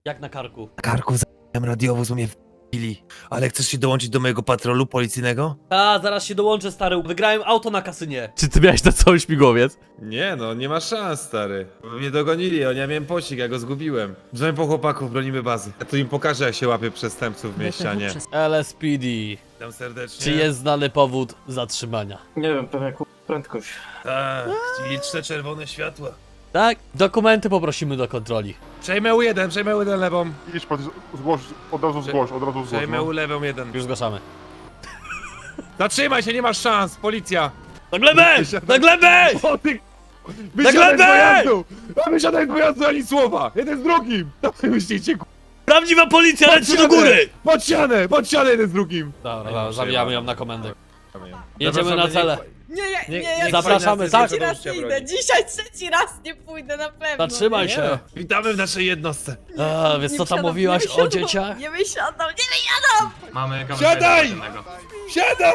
Jak na karku? Na karku z***ałem radiowóz, mnie w***li. Ale chcesz się dołączyć do mojego patrolu policyjnego? A, zaraz się dołączę, stary. Wygrałem auto na kasynie. Czy ty miałeś na cały śmigłowiec? Nie no, nie ma szans, stary. Bo mnie dogonili, ja miałem pościg, ja go zgubiłem. Dzwoń po chłopaków, bronimy bazy. Ja tu im pokażę, jak się łapie przestępców w mieście, a nie. LSPD. Witam serdecznie. Czy jest znany powód zatrzymania? Nie wiem, pewnie prędkość. Tak, liczne czerwone światła. Tak? Dokumenty poprosimy do kontroli. Przejmę U1 lewą. Idź pan, zgłoś, od razu zgłoś. Przejmę No. U lewą 1. Już zgłaszamy. Zatrzymaj się, nie masz szans, policja! Na glebę! Na glebę! O ty... Na Wysiadaj z glebę! pojazdu! A wysiadaj z pojazdu, ani słowa! Jeden z drugim! Dawaj, myślicie, Prawdziwa policja, leci do góry! Pod ścianę jeden z drugim! Dobra, zawijamy ją na komendę. Jedziemy na cele. Ja Zapraszamy, tak? trzeci raz nie idę. Dzisiaj trzeci raz nie pójdę na pewno. Zatrzymaj się. Witamy w naszej jednostce. A, wiesz co tam mówiłaś o dzieciach? Nie wysiadam, nie wysiadam! Mamy Siadaj! Siadaj!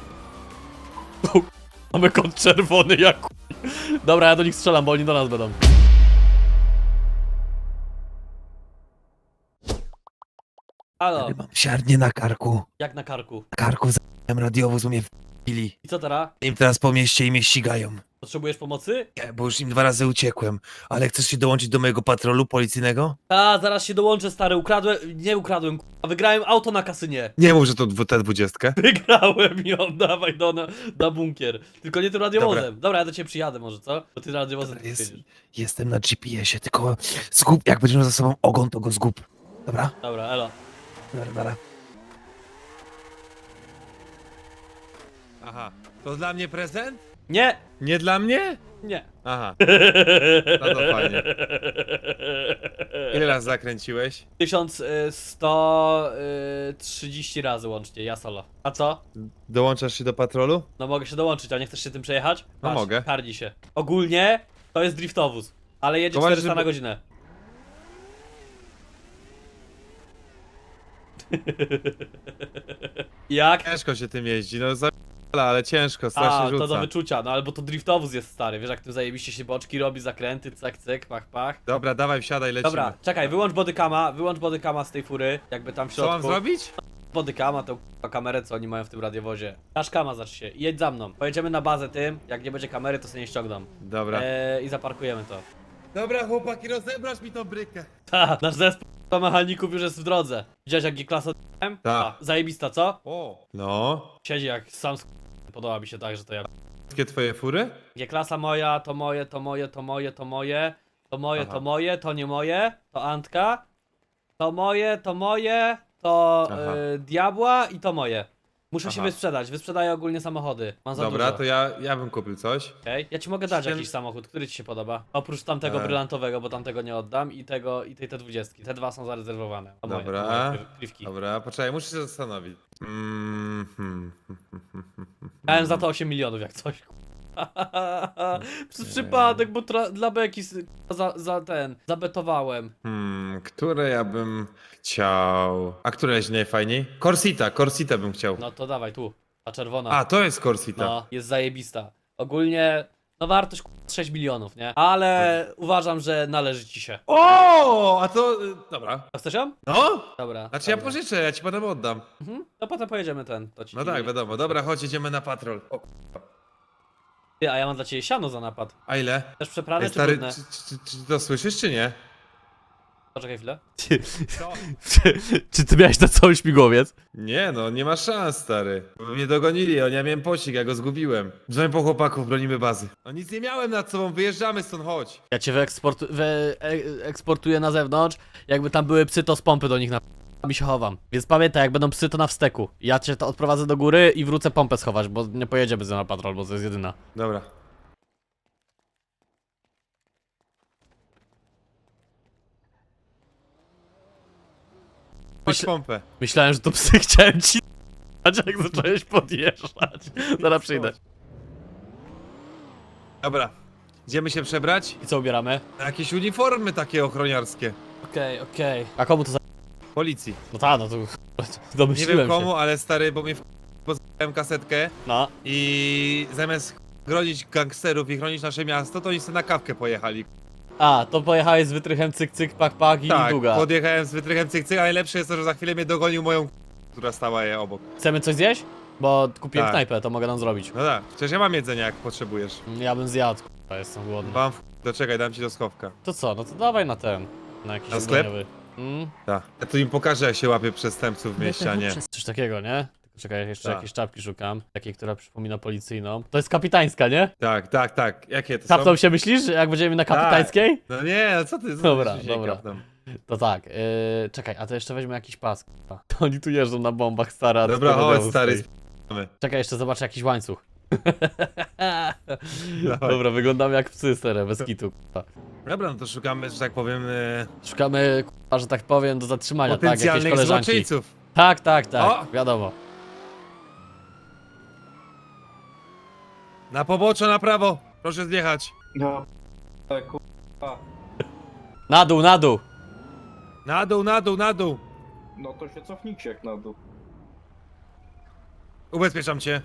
Mamy kod czerwony jak chuj. Dobra, ja do nich strzelam, bo oni do nas będą. Halo, Mam siarnię na karku. jak na karku? Na karku z***ałem radiowóz, mnie w***li. I co teraz? Im teraz po mieście i mnie ścigają. Potrzebujesz pomocy? Nie, bo już im 2 razy uciekłem. Ale chcesz się dołączyć do mojego patrolu policyjnego? A, zaraz się dołączę, stary. Nie ukradłem, k***a. Wygrałem auto na kasynie. Nie mów, że to tę 20. Wygrałem ją, dawaj na bunkier. Tylko nie tym radiowozem. Dobra, ja do ciebie przyjadę może, co? Bo ty radiowozem Dobra, jedziesz. Jestem na GPS-ie, tylko zgub, jak będziesz miał za sobą ogon, to go zgub. Dobra? Dobra, elo. Dobra. Aha. To dla mnie prezent? Nie! Nie dla mnie? Nie. Aha. No to fajnie. Ile razy zakręciłeś? 1130 razy łącznie, ja solo. A co? Dołączasz się do patrolu? No mogę się dołączyć, a nie chcesz się tym przejechać? No mogę. Karni się. Ogólnie to jest driftowóz, ale jedzie To 400 żeby- na godzinę. Jak? Ciężko się tym jeździ, no ale ciężko, A, strasznie to do rzuca. wyczucia, no albo to driftowóz jest stary, wiesz jak tu zajebiście się boczki robi, zakręty, cyk, cyk, pach, pach. Dobra, dawaj, wsiadaj, lecimy. Dobra, czekaj, wyłącz bodykama z tej fury, jakby tam w Co środku. mam zrobić? Bodykama, tą kamerę, co oni mają w tym radiowozie. Nasz kama zacz się, jedź za mną. Pojedziemy na bazę tym, jak nie będzie kamery, to sobie nie ściągną. Dobra. I zaparkujemy to. Dobra, chłopaki, rozebrasz mi tą brykę. Ta, nasz zespół mechaników już jest w drodze. Widziałeś jak G-klasa Tak. Zajebista, co? O. No. Siedzi jak sam podoba mi się tak, że to ja. Wszystkie twoje fury? G-klasa moja, to moje, to moje, to moje, to moje. To moje, Aha. to moje, to nie moje. To Antka. To moje, to moje. To Aha. Diabła i to moje. Muszę się Aha. wysprzedać, wysprzedaję ogólnie samochody. Mam za Dobra, dużo. to ja bym kupił coś. Okej. Ja ci mogę dać Siedem- jakiś samochód, który ci się podoba? Oprócz tamtego brylantowego, bo tamtego nie oddam i tego i tej T20. Te dwa są zarezerwowane. To moje, Dobra. moje krywki. Dobra, poczekaj, muszę się zastanowić. Dałem za to 8 milionów jak coś. Przez przypadek, bo dla beki zabetowałem. Które ja bym chciał... A które jest najfajniej? Corsita bym chciał. No to dawaj tu, ta czerwona. A, to jest Corsita. No, jest zajebista. Ogólnie, no wartość 6 milionów, nie? Ale uważam, że należy ci się. O, a to... Dobra. A chcesz ją? No? Dobra. Znaczy ja dobra. pożyczę, ja ci potem oddam. To potem pojedziemy to ci No tak, wiadomo. Dobra, chodź, jedziemy na patrol. O, Ty, a ja mam dla ciebie siano za napad. a ile? Też przeprane Ej, czy stary, brudne? czy to słyszysz, czy nie? Poczekaj chwilę. Czy ty miałeś na cały śmigłowiec? Nie no, nie ma szans, stary. Bo mnie dogonili, ja miałem pościg, ja go zgubiłem. Dzwoń po chłopaków, bronimy bazy. No nic nie miałem nad sobą, wyjeżdżamy stąd, chodź. Ja cię eksportuję na zewnątrz. Jakby tam były psy, to z pompy do nich mi się chowam. Więc pamiętaj, jak będą psy, to na wsteku. Ja cię to odprowadzę do góry i wrócę pompę schować, bo nie pojedziemy z nią na patrol, bo to jest jedyna. Dobra. Chodź Myślę- pompę. Myślałem, że to psy chciałem ci jak zacząłeś podjeżdżać. Zaraz przyjdę. Dobra. Idziemy się przebrać? I co ubieramy? Na jakieś uniformy takie ochroniarskie. Okej. A komu to za... Policji. No ta, no to... Nie Domyśliłem wiem komu, się. ale stary, bo mnie pozwałem kasetkę No. i zamiast chronić gangsterów i chronić nasze miasto, to oni sobie na kawkę pojechali. A, to pojechałeś z wytrychem cyk cyk pak pak i Tak, długa. podjechałem z wytrychem cyk cyk, a najlepsze jest to, że za chwilę mnie dogonił moją która stała je obok. Chcemy coś zjeść? Bo kupiłem Tak. knajpę, to mogę nam zrobić. No tak, przecież ja mam jedzenie jak potrzebujesz. Ja bym zjadł, k***a, jestem głodny. Mam doczekaj, dam ci do schowka. To co, no to dawaj na ten. Na jakiś Na sklep? ubraniowy. Tak. Ja tu im pokażę jak się łapie przestępców w mieście, a nie. Coś takiego, nie? Tylko czekaj, jeszcze Tak. jakieś czapki szukam. Takiej, która przypomina policyjną. To jest kapitańska, nie? Tak, tak, tak. Jakie to Kapną są? się myślisz, jak będziemy na kapitańskiej? No nie, no co ty? Dobra, się dobra. kapną? To tak, czekaj, a to jeszcze weźmy jakiś pas. k***a. To oni tu jeżdżą na bombach, stara. Dobra, to chodź modelu stary, stoi. sp***amy. Czekaj, jeszcze zobaczę jakiś łańcuch. Dawaj. Dobra, wyglądamy jak psy, stare, bez kitu. k***a. Dobra, no to szukamy, że tak powiem, Szukamy, k***a, że tak powiem, do zatrzymania, tak, jakieś potencjalnych koleżanki. złoczyńców. Tak, tak, tak, O! wiadomo. Na pobocze, na prawo. Proszę zjechać. Ja kurwa. Na dół, na dół. Na dół, na dół, na dół. No to się cofnijcie jak na dół. Ubezpieczam cię.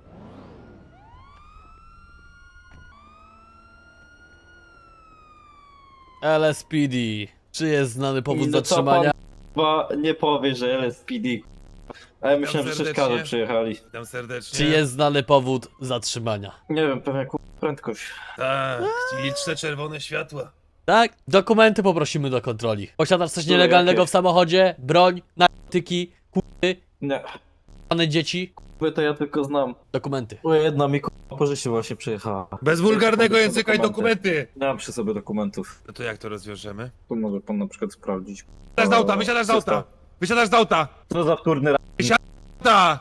LSPD. Czy jest znany powód I no co zatrzymania? Chyba nie powie, że LSPD. A ja myślałem, że serdecznie. przeszkaże przyjechali. Witam serdecznie. Czy jest znany powód zatrzymania? Nie wiem, pewnie prędkość. Tak, liczne czerwone światła. Tak? Dokumenty poprosimy do kontroli. Posiadasz coś Które nielegalnego jakie? w samochodzie? Broń, narkotyki, k***y, Nie, k***ane dzieci? by to ja tylko znam. Dokumenty. Bo jedna mi kurwa po życiu właśnie przyjechała. Bez wulgarnego Są języka i dokumenty. Nie mam przy sobie dokumentów. No to jak to rozwiążemy? Tu może pan na przykład sprawdzić. Wysiadasz z auta, wysiadasz z auta. Wysiadasz z auta. Co za wtórny Auta.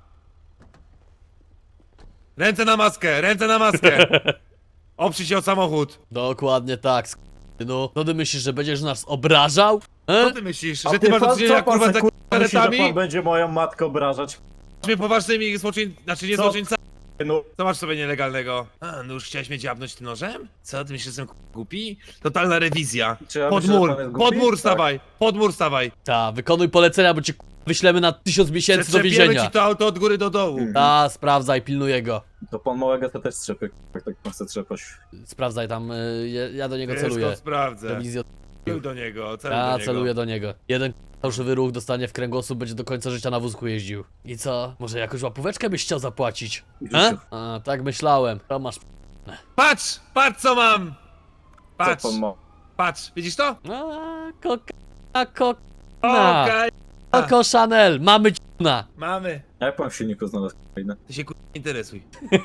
Ręce na maskę, ręce na maskę. Oprzyj się o samochód. Dokładnie tak, no. No ty myślisz, że będziesz nas obrażał? Co ty myślisz, że ty masz do czynienia kurwa z karetami? pan będzie moją matkę obrażać? Mnie poważnymi znaczy nie Co? złoczyńcami. No, Co masz sobie nielegalnego? A, no już chciałeś mnie dziabnąć tym nożem? Co, ty myślisz, że jestem głupi? Totalna rewizja. czy ja Pod myślę, że mur, pan jest głupi? pod mur Tak. stawaj, pod mur stawaj. Ta, wykonuj polecenia, bo cię wyślemy na 1000 miesięcy do Przetrzepiemy więzienia. ci to auto od góry do dołu. Ta, sprawdzaj, pilnuję go. To pan małego to też strzepy, jak tak pan chce trzepać. Sprawdzaj tam, ja do niego Wszystko celuję. sprawdzę. Rewizję. Celuj do niego, celuj Ja do niego. celuję do niego. Jeden fałszywy ruch dostanie w kręgosłup, będzie do końca życia na wózku jeździł. I co? Może jakąś łapóweczkę byś chciał zapłacić? W A? życiu. A, tak myślałem. To masz. Patrz, patrz co mam! Patrz, Co pan ma? patrz, widzisz to? A, kokna. Okej, Coco Chanel, mamy ciuna. mamy. A jak pan w silniku znalazł kolejne? Ty się interesuj.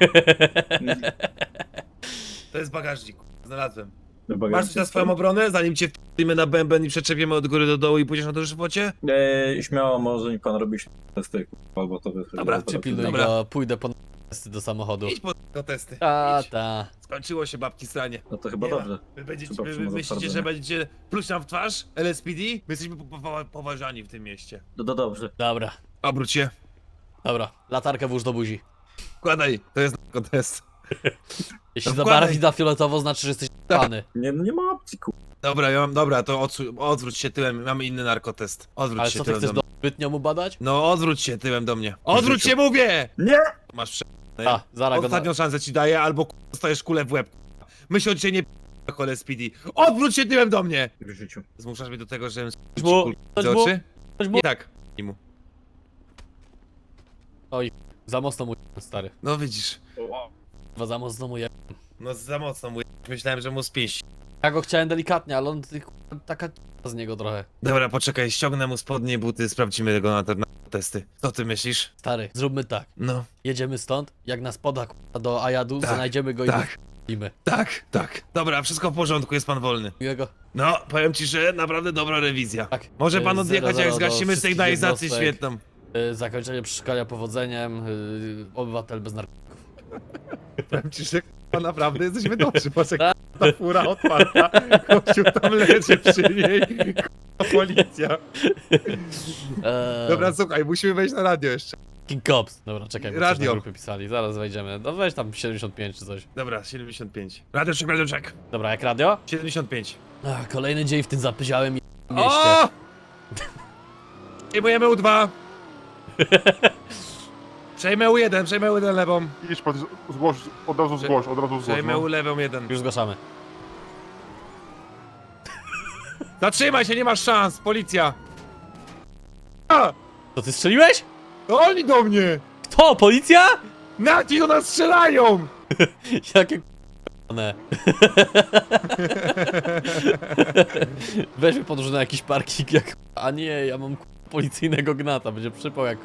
To jest bagażnik, znalazłem. Masz coś na swoją obronę, zanim cię wpijemy na bęben i przeczepiemy od góry do dołu i pójdziesz na to żywocie? Śmiało może mi pan robić testy, albo to wychodzi. Dobra, Przypilnuj Dobra. go, pójdę po testy do samochodu. Idź po testy. Ta, Idź. ta. Skończyło się babki stranie. No to chyba Nie ma. dobrze. Wy, będziecie, Chyba wy przyjmę myślicie, że zatwardzenie. będziecie pluć nam w twarz? LSPD? My jesteśmy poważani w tym mieście. No to dobrze. Dobra, Obróć się. dobra. Latarkę włóż do buzi. Wkładaj, to jest test. Jeśli No zabarwi wkładaj. na fioletowo, znaczy, że jesteś pany. Nie, no nie ma opcji, Dobra, dobra, to odwróć się tyłem, mamy inny narkotest. Odwróć Ale się co ty tyłem chcesz do mnie. zbytnio mu badać? No, odwróć się tyłem do mnie. Odwróć się, mówię! Nie! Masz prze... A, zaraz go na... Ostatnią szansę ci daję, albo dostajesz kulę w łeb. Myśl o dzisiaj nie LSPD. Odwróć się tyłem do mnie! W życiu. Zmuszasz mnie do tego, żebym Coś mu, kulkę coś z mu, oczy? coś mu. Nie tak. Nie mu. Za mocno mu stary. No widzisz. Chyba za mocno mu je... No za mocno mu. Myślałem, że mu spięść. Ja go chciałem delikatnie, ale on taka z niego trochę. Dobra, poczekaj, ściągnę mu spodnie, buty, sprawdzimy go na te testy. Co ty myślisz? Stary, zróbmy tak. No, Jedziemy stąd, jak nas poda do Ajadu, Tak, znajdziemy go tak. i go tak, tak. Dobra, wszystko w porządku, jest pan wolny. Miłego. No, powiem ci, że naprawdę dobra rewizja. Tak. Może pan Y, odjechać, 00 jak do zgasimy wszystkich sygnalizację jednostek. świetną. Zakończenie przeszkolenia powodzeniem, obywatel bez narkotyków. Powiem ci, że k***a, naprawdę jesteśmy dobrzy, patrz jak ta fura otwarta, kościół tam leży przy niej, k***a, policja. Dobra, słuchaj, musimy wejść na radio jeszcze. King Cops. Dobra, czekaj, bo coś Radio. na grupy pisali, zaraz wejdziemy. No weź tam 75 czy coś. Dobra, 75. Radio check. Dobra, jak radio? 75. Ach, kolejny dzień w tym zapyziałym mieście. O! Przejmujemy U2. Przejmę U1, przejmę U1 lewą. Idź pan, zgłoś, od razu zgłoś, od razu zgłoś. Przejmę No. U lewą 1. Już zgłaszamy. Zatrzymaj się, nie masz szans, policja! A! To ty strzeliłeś? To oni do mnie! Kto? Policja? Nati do nas strzelają! Jakie k***ne. Weźmy podróż na jakiś parking jak... A nie, ja mam policyjnego gnata, będzie przypał jak...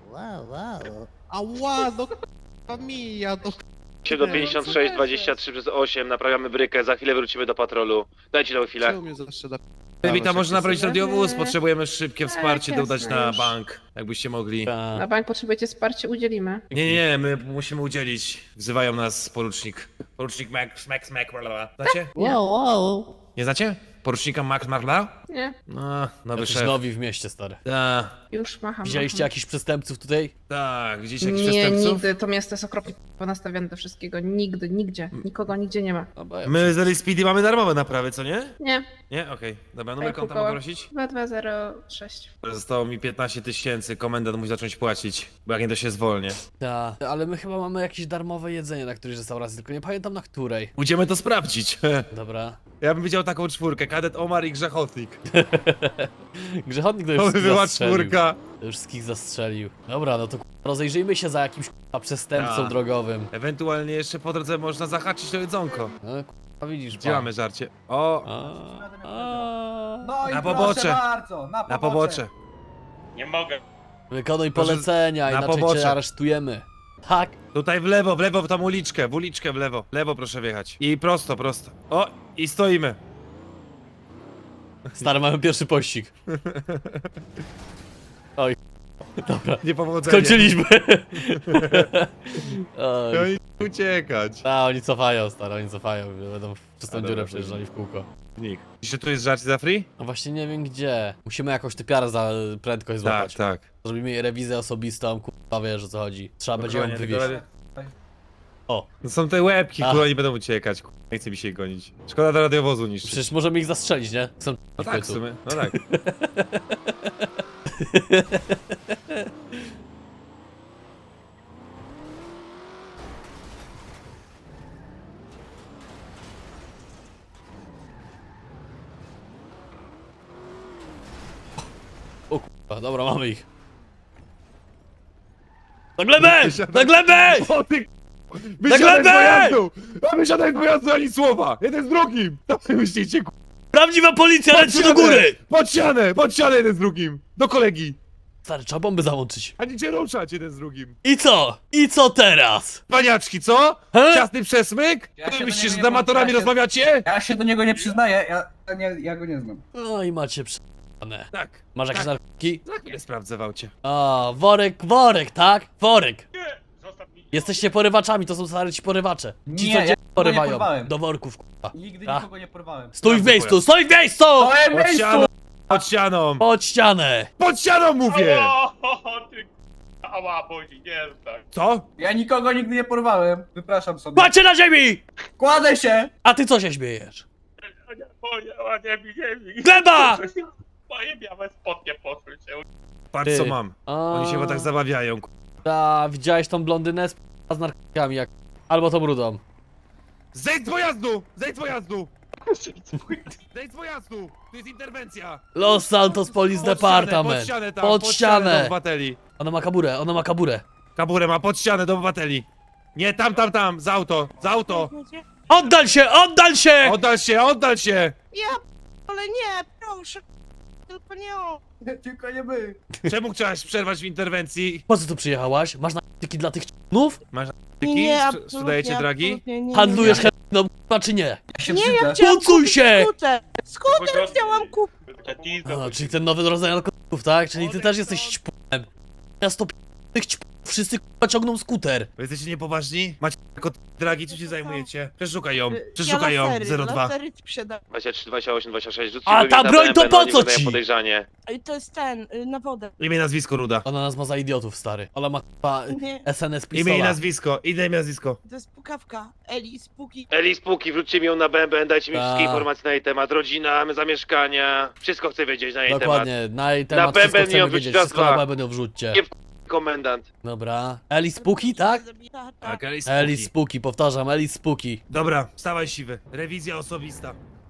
Ała, no k***a mija, no 756 23 przez 8, naprawiamy brykę, za chwilę wrócimy do patrolu. Dajcie nam chwilę. czemu mnie zawsze na... Witam, może naprawić radiowóz, potrzebujemy szybkie wsparcie, jasne, dodać na już. bank, jakbyście mogli. Na bank potrzebujecie wsparcia, udzielimy. Nie, my musimy udzielić. Wzywają nas porucznik. Porucznik Max Marla. Znacie? Nie znacie? Porucznika Max Marla? Nie, No, nowy Jacyś szef. nowi w mieście, stary. już macham. Widzieliście jakichś przestępców tutaj? Tak, widzieliście jakichś Nie, przestępców? nigdy. To miasto jest okropnie ponastawione do wszystkiego. Nigdy, nigdzie. Nikogo nigdzie nie ma. No bo ja... My z LSPD mamy darmowe naprawy, co nie? Nie, Nie? Okej. Dobra, numer Ej, konta Kuba. mogę prosić? 2206. Zostało mi 15 000, komendant musi zacząć płacić, bo jak nie to się zwolnię. Ta, ale my chyba mamy jakieś darmowe jedzenie na którejś restauracji, tylko nie pamiętam na której. Pójdziemy to sprawdzić. Dobra. Ja bym widział taką czwórkę, kadet Omar i grzechotnik. Grzechotnik to To już by z była zastrzelił. czwórka. To już z kich zastrzelił. Dobra, no to rozejrzyjmy się za jakimś przestępcą Tak. drogowym. Ewentualnie jeszcze po drodze można zahaczyć to jedzonko. No widzisz, Gdzie mamy żarcie? O, No i Na proszę pobocze. bardzo, na pobocze. Nie mogę. Wykonuj Proszę, polecenia, na inaczej pobocze. cię aresztujemy. Tak. Tutaj w lewo w tą uliczkę, w lewo. W lewo proszę wjechać. I prosto. O, i stoimy. Stary, mamy pierwszy pościg. Oj. Dobra. Niepowodzenie. Skończyliśmy. No Oj. i uciekać. A, oni cofają, stary, oni cofają. Będą w czystą A, dziurę dobra, przejeżdżali w kółko. Nich. Jeszcze tu jest żarcie za free? No właśnie nie wiem gdzie. Musimy jakąś typiarę za prędkość złapać. Tak. Zrobimy jej rewizję osobistą, kurwa wiesz o co chodzi. Trzeba będzie ją Dokładnie, wywieźć. tylko- O. No są te łebki, Ach. które oni będą uciekać. Nie chce mi się ich gonić. Szkoda do radiowozu niszczyć. Przecież możemy ich zastrzelić, nie? Są No tak, w sumie. No tak. O kurwa, dobra, mamy ich. Na glebę! Na glebę! O ty Na glebę! pojazdu! A wysiadaj z pojazdu ani słowa! Jeden z drugim! To wy myślicie, Prawdziwa policja, leci do góry! Pod ścianę jeden z drugim! Do kolegi! Stary, trzeba bomby załączyć. Ani cię ruszać jeden z drugim! I co? I co teraz? Paniaczki, co? He? Ciasny przesmyk? Ja się Wy do myślicie, niego że nie z amatorami włączę, ja się- rozmawiacie? Ja się do niego nie przyznaję, ja go nie znam. No i macie prze***ane. Tak. Masz jakieś Tak. narkotyki? Za chwilę sprawdzę w aucie. A, worek, tak? Worek. Jesteście porywaczami, to są stary ci porywacze. Ci Nie, co ja cię nikogo nie porywają. porwałem. Do worków, kurwa. Nigdy A. nikogo nie porwałem. Stój w miejscu, stój w miejscu! Pod ścianą! Pod ścianą! Pod ścianę! Pod ścianą mówię! Ała, boli, nie tak. Co? Ja nikogo nigdy nie porwałem. Wypraszam sobie. Kładźcie na ziemi! Kładę się! A ty co się śmiejesz? Nie mi. Gleba! Moje białe spodnie poszły się. Patrz Ty. co mam. Oni się chyba tak zabawiają. A, widziałeś tą blondynę z narkotykami jak... Albo tą rudą. Zejdź z pojazdu! Zejdź z pojazdu! Zejdź z pojazdu! To jest interwencja! Los Santos Police Pod Department. ścianę, tam, Pod do ścianę. obywateli. Ona ma kaburę. Kaburę ma pod ścianę do obywateli. Nie, tam, za auto, za auto! Oddal się, oddal się! Oddal się! Ale nie, proszę. Tylko nie o. Tylko nie my. Czemu chciałaś przerwać w interwencji? Po co tu przyjechałaś? Masz narkotyki dla tych c***nów? Tyki? Sprzedajecie dragi? Handlujesz heroiną, k***a, czy nie? Ja się brzydzę. Pocuj się! Skuter chciałam kupić. A, czyli ten nowy rodzaj narkotyków, tak? Czyli ty też jesteś ćpem. Miasto tych ćpów, wszyscy k***a ciągną skuter. Wy jesteście niepoważni? Macie tylko dragi, czym się zajmujecie? Przeszukaj ją, 02. 23, 28, 26, rzućcie A go ta na broń to BMP, po oni co wydają ci? podejrzanie. To jest ten, na wodę. Imię, nazwisko, Ruda. Ona nas ma za idiotów, stary. Ona ma k***a Nie, SNS Imię i pistola. nazwisko, imię i nazwisko. to jest pukawka. Eli, spuki. Eli, spółki, wróćcie mi ją na BMB, dajcie mi Ta. wszystkie informacje na jej temat. Rodzina, zamieszkania, wszystko chcę wiedzieć na jej temat. Dokładnie, na jej temat Na wszystko bęben ją chcemy wrzuć wiedzieć, raz, wszystko dwa. na bęben wrzućcie. Nie Komendant. Dobra. Eli Spooky, tak? Tak, Alice Eli Spooky, powtarzam, Eli Spooky. Dobra, wstawaj siwy. Rewizja osobista.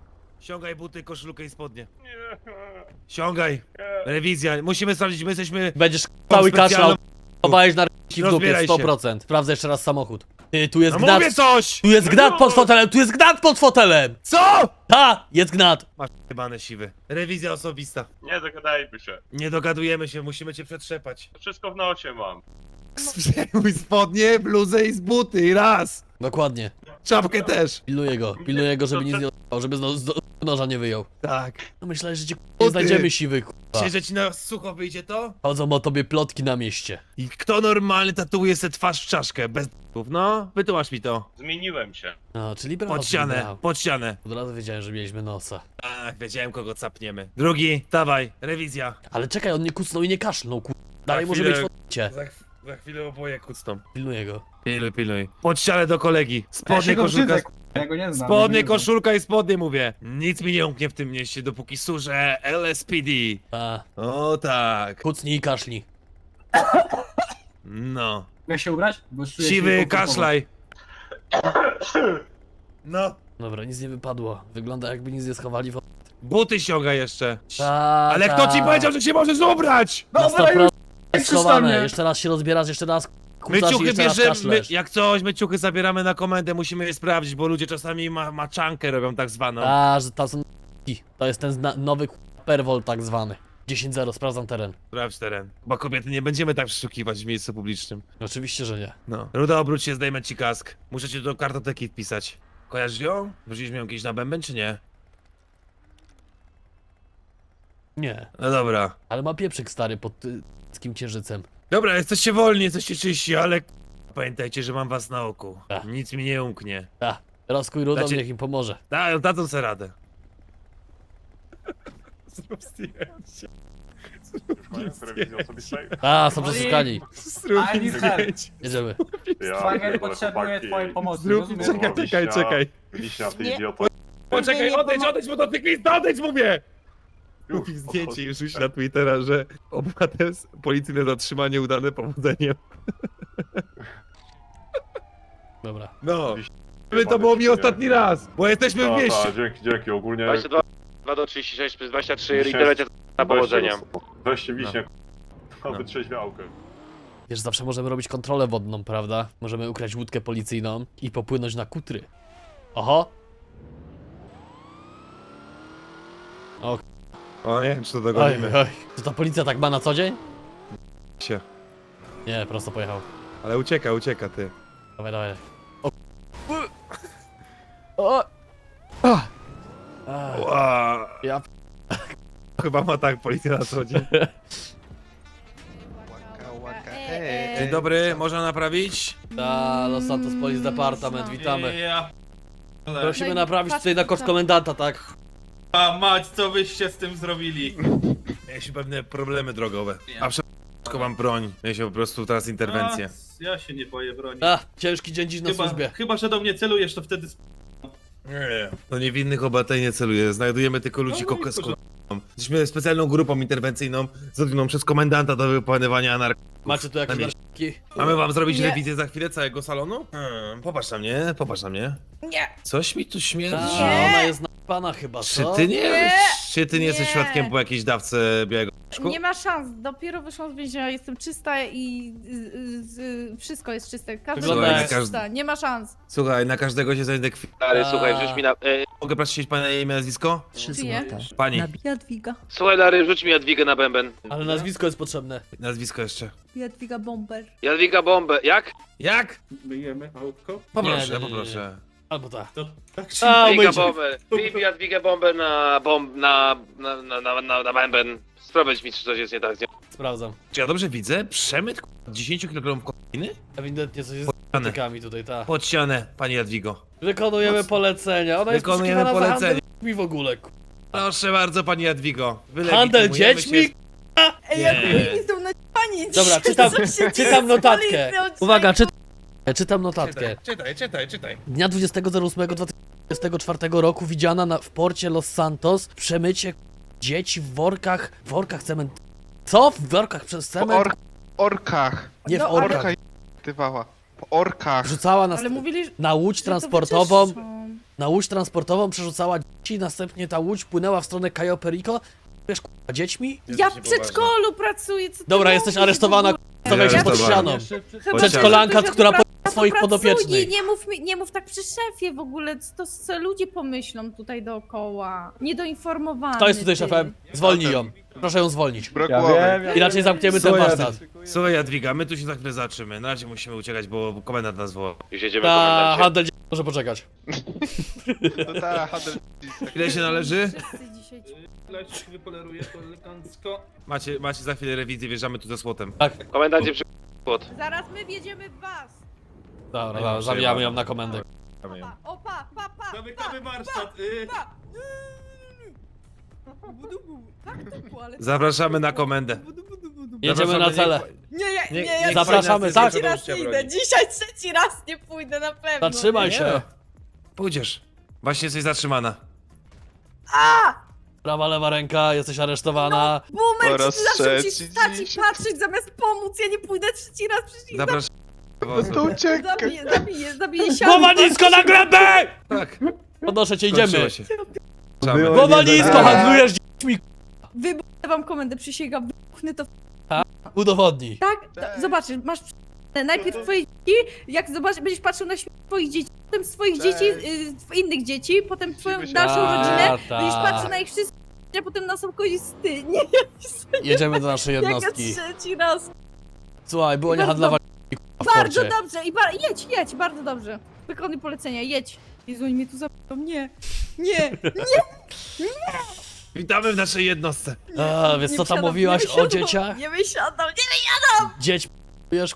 Ściągaj buty, koszulkę i spodnie. Ściągaj. Rewizja, musimy sprawdzić, my jesteśmy... Będziesz cały specjalną- kaszlał. Chowałeś na r***ki w dupie, Rozbieraj się. 100%. Sprawdzę jeszcze raz samochód. Ty, tu jest No gnat. mówię coś! Tu jest gnat pod fotelem, tu jest gnat pod fotelem! Co? Ta, jest gnat. Masz jebane siwy. Rewizja osobista. Nie dogadajmy się. Nie dogadujemy się, musimy cię przetrzepać. Wszystko w nosie mam. Zdejmuj spodnie, bluzę i z buty i raz. Dokładnie. Czapkę też. Pilnuję go, żeby nic nie odjebał, żeby z noża nie wyjął. Tak. No myślałem, że cię nie Buty. znajdziemy siwy, kurwa. Myślisz, że ci na sucho wyjdzie to? Chodzą o tobie plotki na mieście. I kto normalny tatuuje se twarz w czaszkę, bez d***ów? No, wytłumacz mi to. Zmieniłem się. No, czyli brawo. Pod ścianę, brawo. pod ścianę. Od razu wiedziałem, że mieliśmy nosa. Tak, wiedziałem kogo capniemy. Drugi, dawaj, rewizja. Ale czekaj, on nie kucnął i nie kaszlnął, kurwa. Dalej Za może być chwilę- w odcięcie. Za chwilę oboje kucną. Pilnuję go. Pilnuj. Pod ścianę do kolegi. Ja Spodnie, się go koszulka. brzydzę, ja go nie znam. Spodnie, ja go nie znam. koszulka i spodnie mówię. Nic mi nie umknie w tym mieście, dopóki służę LSPD. Ta, O tak. kucnij i kaszlij. No. Mogę się ubrać? Bo czuję się Siwy, niekomfortowo. kaszlaj. No. Dobra, nic nie wypadło. Wygląda jakby nic nie schowali w... Buty ściąga jeszcze. Ta, Ale ta. kto ci powiedział, że się możesz ubrać? Na Dobra, 100% już jest krzyż na schowane. mnie. Jeszcze raz się rozbierasz, jeszcze raz My kucasz i ciuchy jeszcze raz bierzemy, kaszlesz. jak coś, my ciuchy zabieramy na komendę, musimy je sprawdzić, bo ludzie czasami maczankę robią tak zwaną. A, że tam są to jest ten nowy perwol tak zwany. 10-0, sprawdzam teren. Sprawdź teren. Bo kobiety nie będziemy tak przeszukiwać w miejscu publicznym. Oczywiście, że nie. No. Ruda, obróć się, zdejmę ci kask. Muszę cię do kartoteki wpisać. Kojarzysz ją? Wrzuciliśmy ją kiedyś na bęben, czy nie? Nie. No dobra. Ale ma pieprzyk stary pod kim księżycem. Dobra, jesteście wolni, jesteście czyści, ale pamiętajcie, że mam was na oku. Tak. Nic mi nie umknie. Ta, rozkuj rudą, Znaczy- niech im pomoże. Dadzą sobie radę. Zrób zdjęcie. Telewizji osobistej? A, są przesłuchani. Zrób I need help. Jedziemy. Szwagier potrzebuje twojej pomocy, Zrób, rozumiesz? czekaj. Wiśnia, ty idioto. Poczekaj, odejdź, bo to cyklista, odejdź, mówię! Kupił zdjęcie i rzuć na Twittera, że obywatel policyjne zatrzymanie udane powodzeniem. Dobra. No. To było mi ostatni raz, bo jesteśmy w mieście. Dzięki, ogólnie... 22 2 do 36 przez 23 interwencja na powodzenia. Weźcie wiśnie, No. wytrzeźwiałkę. Wiesz, zawsze możemy robić kontrolę wodną, prawda? Możemy ukraść łódkę policyjną i popłynąć na kutry. Oho! O, O, nie wiem, czy to oj, dogonimy oj. To ta policja tak ma na co dzień? się. Nie, prosto pojechał. Ale ucieka ty. Dawaj, dawaj. O! Ach. Ła. Ja Chyba ma tak policja na co dzień. Dzień dobry, można naprawić? Ta Los Santos Police Department, witamy. Ja... Prosimy naprawić tutaj na koszt komendanta, tak? A mać, co wyście z tym zrobili? Mieliśmy pewne problemy drogowe. A wszystko mam broń. Mieliśmy po prostu teraz interwencję. A, ja się nie boję broni. A, ciężki dzień dziś na służbie. Chyba, że do mnie celujesz, to wtedy... Nie. To niewinnych obywateli nie celuje. Znajdujemy tylko ludzi No i z Jesteśmy specjalną grupą interwencyjną zrobioną przez komendanta do wykonywania narkotyków. Macie tu jakieś Na mieście. narkotyki? Mamy wam zrobić Nie. rewizję za chwilę całego salonu? Popatrz na mnie, popatrz na mnie. Nie. Coś mi tu Ta, śmierdzi. ona jest na pana chyba, Czy co? ty Nie. Czy ty nie jesteś Nie. świadkiem po jakiejś dawce białego p***ku? Nie ma szans, dopiero wyszłam z więzienia, jestem czysta i wszystko jest czyste. Każda Wygląda rzecz jak jest czysta, nie ma szans. Słuchaj, na każdego się znajdę Stary, słuchaj, wrzuć mi na... Mogę prosić pana imię i nazwisko? Czyje? Pani, Jadwiga. Słuchaj, Lary, wrzuć mi Jadwigę na bęben. Ale nazwisko jest potrzebne. nazwisko jeszcze. Jadwiga Bomber. Jadwiga bombę. Jak? Jak? Myjemy autko? Poproszę, Nie, nie, nie, poproszę. Albo tak. To tak A, Jadwiga umyjcie. bombę. Wbij Jadwigę bombę na bęben. Sprawdź mi, czy coś jest nie tak z nią. Sprawdzam. Czy ja dobrze widzę? Przemyt 10 kg kokainy? Ewidentnie coś jest z Podścianę. narkotykami tutaj, ta. Pod ścianę, pani Jadwigo. Wykonujemy polecenia. Ona jest Wykonujemy poszukiwana za polecenie. handel mi w ogóle. Proszę bardzo, pani Jadwigo. Handel Wylegitymujemy dziećmi? się- Ej, Nie. jak oni są na panic. Dobra, czytam notatkę. Uwaga, czytam notatkę. Czytaj. Dnia 20.08.2024 roku widziana w porcie Los Santos przemycie dzieci w workach cement... Co? W workach przez cement? Orkach. Nie w No, orkach. Orka aktywała. Po orkach. Rzucała Ale mówili, że na łódź to transportową wyczyszczą. na łódź transportową przerzucała dzieci, następnie ta łódź płynęła w stronę Cayo Perico. Wiesz, k***a, dziećmi? Ja w przedszkolu pracuję, co ty Dobra, jesteś mówisz aresztowana, w ogóle? stawiaj się pod aresztowany. ścianą. Chyba, Przedszkolanka, że która to po swoich pracuję. podopiecznych. Nie mów tak przy szefie w ogóle, co ludzie pomyślą tutaj dookoła. Niedoinformowany. Kto jest tutaj ty. szefem? Zwolnij ją. Proszę ją zwolnić. Ja wiem. Inaczej zamkniemy ten Słuchaj, warsztat. Słuchaj Jadwiga, my tu się za chwilę zatrzymy. Na razie musimy uciekać, bo komendant nas woła. Już jedziemy, Ta komendancie. handel może poczekać. To ta, handel. Ile się należy? Wszyscy dzisiaj ci- Leć, wypoleruję to elegancko. Macie za chwilę rewizję, wjeżdżamy tu ze słotem. Komendancie przy... płot. Zaraz my wjedziemy w was. Dobra, zawijamy ją na komendę. Opa, pa. Zamykamy warsztat. Zapraszamy na komendę. Jedziemy na cele. Nie, Zapraszamy, tak? trzeci raz nie idę. Dzisiaj trzeci raz nie pójdę na pewno. Zatrzymaj się. Pójdziesz. Właśnie jesteś zatrzymana. Prawa, lewa ręka, jesteś aresztowana. Boomer, Po raz czy zawsze ci trzeci stać i dzisiaj. patrzeć zamiast pomóc. Ja nie pójdę trzeci raz, przecież ich Zapraszamy. To uciekaj. zabiję się. Głowa nisko na glebę! Tak, Podnoszę cię, idziemy. skończyło się. Głowa nisko, handlujesz dziećmi. Wybuchnę wam komendę, przysięgam, wybuchnę to. Udowodnij. Tak? Zobaczysz, masz najpierw twoje dzieci, jak zobaczysz, będziesz patrzył na śmierć twoich dzieci, potem swoich dzieci, innych dzieci, potem twoją Musimy dalszą się- rodzinę, A, będziesz tak. patrzył na ich wszystkich, a potem na sam koniec ty. Nie, Jedziemy do naszej jak ja jednostki. trzeci raz. Słuchaj, było nie Bardzo handlować w Bardzo porcie. dobrze i jedź, bardzo dobrze. Wykonuj polecenia, jedź. Jezu, oni mnie tu zabiją, nie. Witamy w naszej jednostce. A, wiesz Nie co tam wysiadam, mówiłaś nie wysiadam, o dzieciach? Nie wysiadam, Dzieć p***ujesz.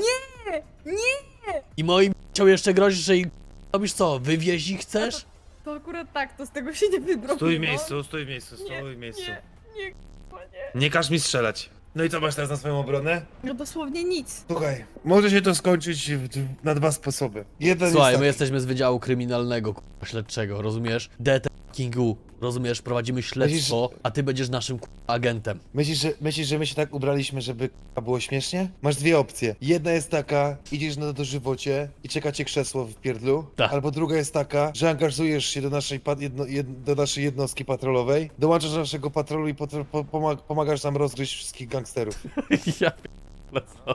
nie. I moim chciał jeszcze grozić, że im robisz co? Wywieźć ich chcesz? To akurat tak, to z tego się nie wybrał. Stój w no. miejscu, stój w miejscu, stój w miejscu. Nie. Nie każ mi strzelać. No i co masz teraz na swoją obronę? No dosłownie nic. Słuchaj, może się to skończyć na dwa sposoby. Jeden Słuchaj, jest my taki. jesteśmy z Wydziału Kryminalnego, k***a, śledczego, rozumiesz? Kingu, rozumiesz? Prowadzimy śledztwo, a ty będziesz naszym k***a, agentem. Myślisz, że my się tak ubraliśmy, żeby było śmiesznie? Masz dwie opcje. Jedna jest taka, idziesz na dożywocie i czeka cię krzesło w pierdlu. Tak. Albo druga jest taka, że angażujesz się do naszej, do naszej jednostki patrolowej, dołączasz do naszego patrolu i pomagasz nam rozgryźć wszystkich gangsterów. Ja p***le, co?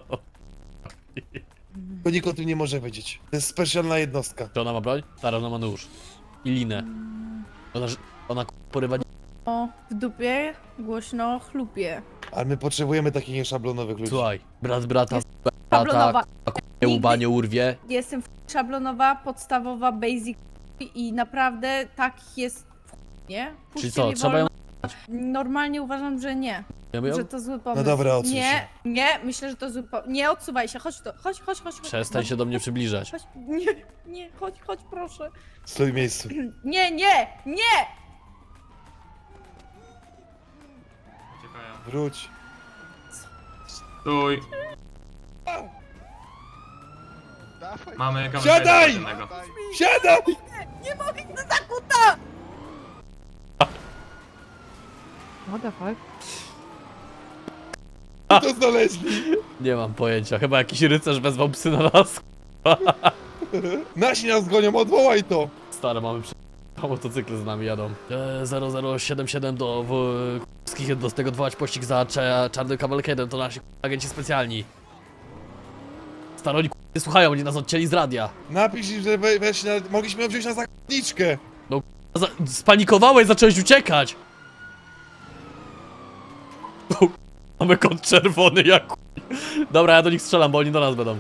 To nikt o tym nie może wiedzieć. To jest specjalna jednostka. Czy ona ma broń? Stara, ona ma nóż. I linę. Ona porywa... O, w dupie głośno chlupie. Ale my potrzebujemy takich nieszablonowych ludzi. Słuchaj, brat brata, Szablonowa. nie łba nie urwie. Jestem szablonowa, podstawowa, basic i naprawdę tak jest nie? Czyli Puśćcie co, mnie trzeba ją... wolno. Normalnie uważam, że nie. Wiemy ją? Że to zły pomysł. dobra, odsuń się. Nie, myślę, że to zły pomysł. Nie odsuwaj się, chodź tu, chodź. Przestań się do mnie przybliżać. Chodź, nie, chodź proszę. Stój w miejscu. Nie! Wróć. Stój. Mamy Siadaj! Siadaj! Nie mogę iść do zakuta! What the fuck? To znaleźli. Nie mam pojęcia, chyba jakiś rycerz wezwał psy na nas. Nasi nas gonią, odwołaj to! Stare, mamy motocykle z nami jadą. 0077 do wszystkich jednostek odwołać pościg za czarnym kawalkedem, to nasi agenci specjalni. Staro, oni nie słuchają, oni nas odcięli z radia. Napisz im, że weź mogliśmy ją wziąć na zakładniczkę. Spanikowałeś, zacząłeś uciekać! Mamy kod czerwony jak Dobra, ja do nich strzelam, bo oni do nas będą.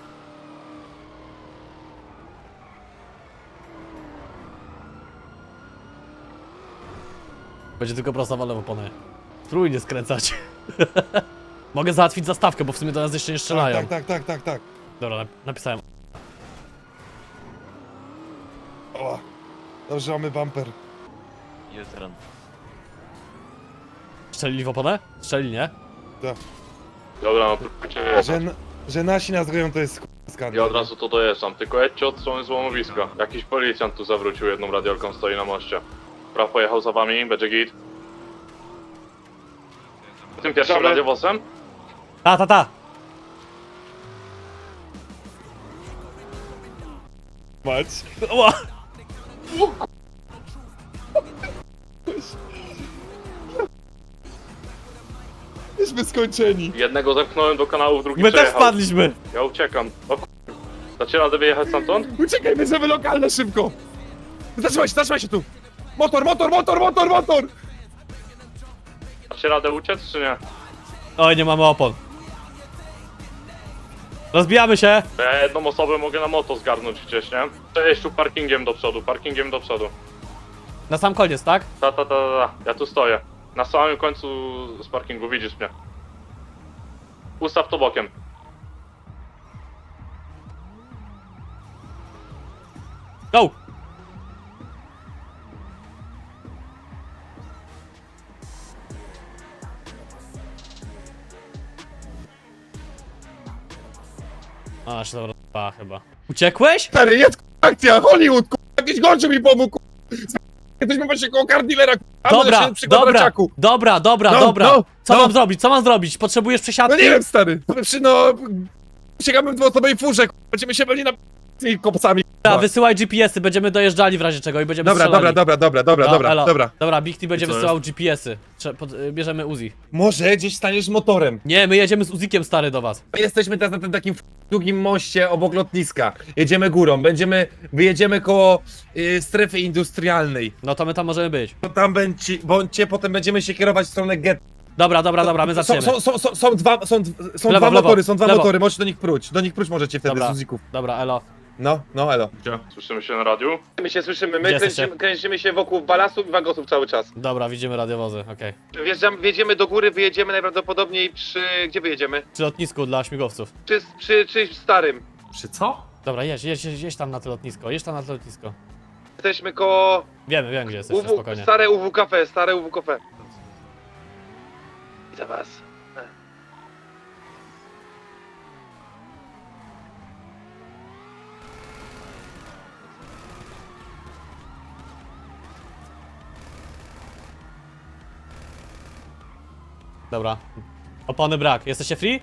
Będzie tylko prosta wala w oponę. Spróbuj nie skręcać. Mogę załatwić zastawkę, bo w sumie do nas jeszcze nie strzelają. Tak. Dobra, napisałem. O, dobrze, mamy bumper. Strzelili w oponę? Strzelili, nie? Dobra, no próbujcie Że nasi nas gonią, to jest skandal. Ja od razu to dojeżdżam, tylko jedźcie od strony złomowiska. Jakiś policjant tu zawrócił jedną radiolką, stoi na moście. Praw pojechał za wami, będzie git. Tym pierwszym radiowozem? Ta. Mać. Ła! Jesteśmy skończeni. Jednego zepchnąłem do kanałów, drugi My też przejechał. wpadliśmy. Ja uciekam. O dacie radę wyjechać stamtąd? Uciekaj, bierzemy lokalne szybko. Zatrzymaj się tu. Motor! Dacie radę uciec, czy nie? Oj, nie mamy opon. Rozbijamy się. Ja jedną osobę mogę na moto zgarnąć gdzieś, nie? Cześć, tu parkingiem do przodu. Na sam koniec, tak? Ta. Ja tu stoję. Na samym końcu z parkingu, widzisz mnie. Ustaw to bokiem. Go! A, się dobra chyba. Uciekłeś? Stary, jest akcja, Hollywood, jakiś gościu mi pomógł, jesteśmy właśnie koło Cardillera, Dobra, dobra. No. Co mam zrobić? Potrzebujesz No przesiadki? nie wiem, stary, sięgamy w dwuosobowej furze, będziemy się byli na tymi kopcami. Dobra, wysyłaj GPS-y, będziemy dojeżdżali w razie czego i będziemy strzelali. Dobra, Big T będzie wysyłał GPS-y. Bierzemy Uzi. Może gdzieś staniesz motorem. Nie, my jedziemy z Uzikiem stary do was. My jesteśmy teraz na tym takim długim moście obok lotniska, jedziemy górą, wyjedziemy koło strefy industrialnej. No to my tam możemy być. To tam bądźcie, potem będziemy się kierować w stronę get. Dobra, my zaczniemy. Są dwa Lewo, motory, są dwa lewo. motory, możecie do nich próć możecie wtedy Dobra. z Uzików. Dobra, elo. No, elo. Słyszymy się na radiu? My się słyszymy, Gdzie jesteście? kręcimy się wokół balastów i wagosów cały czas. Dobra, widzimy radiowozy, okej. Wjedziemy do góry, wyjedziemy najprawdopodobniej gdzie wyjedziemy? Przy lotnisku dla śmigłowców. Przy starym. Przy co? Dobra, jedź tam na to lotnisko, Jesteśmy koło Wiemy gdzie jesteście, spokojnie. stare UW Cafe. I za was. Dobra. Opony brak, jesteście free?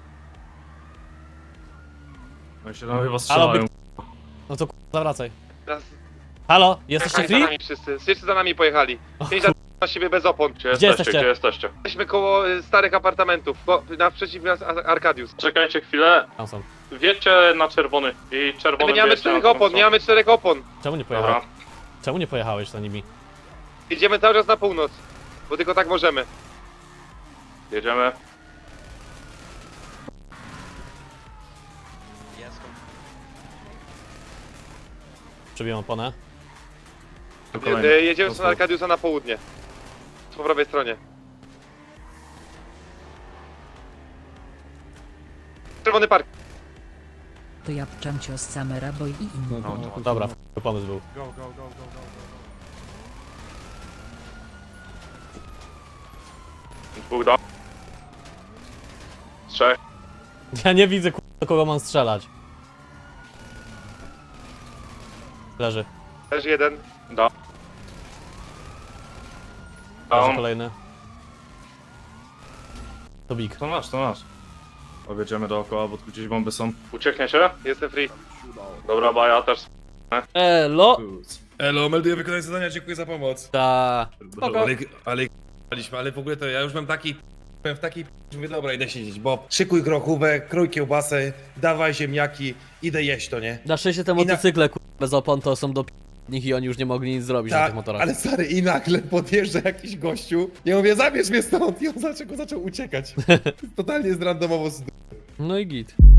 No się tam chyba Halo, strzelają. No to zawracaj. Teraz Halo, jesteście za free? nami wszyscy za nami pojechali. Pięć lat na siebie bez opon. Gdzie jesteście? jesteście? Jesteśmy koło starych apartamentów, naprzeciw nas Arkadius. Czekajcie chwilę. Tam są. Wjedźcie na czerwony i czerwony Nie mamy czterech opon, Czemu nie Dobra. pojechałeś? Czemu nie pojechałeś za nimi? Jedziemy cały czas na północ, bo tylko tak możemy. Jedziemy. Przebiłem oponę. Jedziemy w stronę Arkadiusa na południe. Po prawej stronie. Czerwony park. To ja pczam cios Samera, bo i inni. Dobra, pomysł był. Dwóch do. Trzech. Ja nie widzę do kogo mam strzelać. Leży. Też jeden. Do. Leży Down. kolejny. To Big. To nasz. Objedziemy dookoła, bo tu gdzieś bomby są. Uciekniecie? Jestem free. Dobra, baja też. Elo! Elo, melduję wykonanie zadania, dziękuję za pomoc. Ta. Spoko. Ale w ogóle to ja już byłem w takiej mówię, dobra, idę siedzieć, bo szykuj grochówek, krój kiełbasę, dawaj ziemniaki, idę jeść to, nie? Na szczęście te I na- motocykle bez opon to są do nich i oni już nie mogli nic zrobić na tych motorach. ale stary, i nagle podjeżdża jakiś gościu. Ja mówię, zabierz mnie stąd i on zaczął uciekać. Totalnie zrandomowo. No i git.